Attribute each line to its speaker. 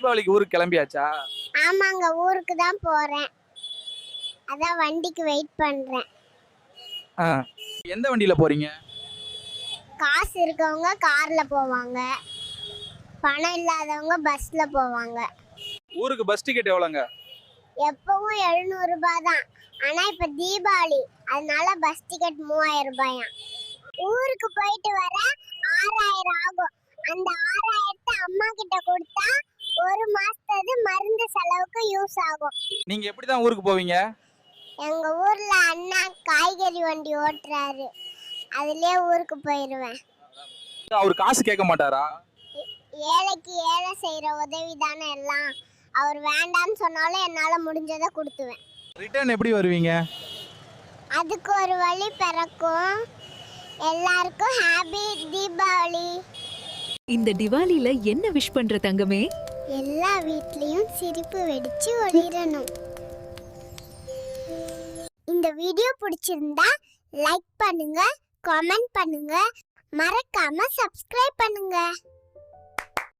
Speaker 1: தீபாவளிக்கு ஊருக்கு கிளம்பியாச்சா?
Speaker 2: ஆமாங்க, ஊருக்கு தான் போறேன். அதான் வண்டிக்கு வெயிட் பண்றேன்.
Speaker 1: ஆ. எந்த வண்டியில போறீங்க?
Speaker 2: காசு இருக்கவங்க கார்ல போவாங்க, பணம் இல்லாதவங்க பஸ்ல போவாங்க.
Speaker 1: ஊருக்கு பஸ் டிக்கெட் எவ்வளோங்க?
Speaker 2: எப்பவும் 700 ரூபாய் தான். ஆனா இப்ப தீபாவளி, அதனால பஸ் டிக்கெட் 3000 ரூபாயா. ஊருக்கு போயிட்டு வர 6000 ஆகும். அந்த 6000 அம்மா கிட்ட கொடுத்தா ஒரு மாசத்துக்கு மருந்து செலவுக்கு யூஸ் ஆகும்.
Speaker 1: நீங்க எப்படி தான் ஊருக்கு போவீங்க?
Speaker 2: எங்க ஊர்ல அண்ணா காய்கறி வண்டி ஓட்டுறாரு, அதுலயே ஊருக்கு போயிருவேன்.
Speaker 1: அவர் காசு கேட்க மாட்டாரா?
Speaker 2: ஏழைக்கு ஏழை செய்யற உதவி தானே எல்லாம். அவர் வேண்டான்னு சொன்னாலும் என்னால முடிஞ்சதை கொடுத்துவேன்.
Speaker 1: ரிட்டர்ன் எப்படி வருவீங்க?
Speaker 2: அதுக்கு ஒரு வழி பிறக்கும். எல்லாருக்கும் ஹாப்பி தீபாவளி.
Speaker 3: இந்த திவாலில என்ன விஷ் பண்ற தங்கமே?
Speaker 2: எல்லா வீட்லயும் சிரிப்பு வெடிச்சு ஒளிரணும். இந்த வீடியோ பிடிச்சிருந்தா லைக் பண்ணுங்க, கமெண்ட் பண்ணுங்க, மறக்காம சப்ஸ்கிரைப் பண்ணுங்க.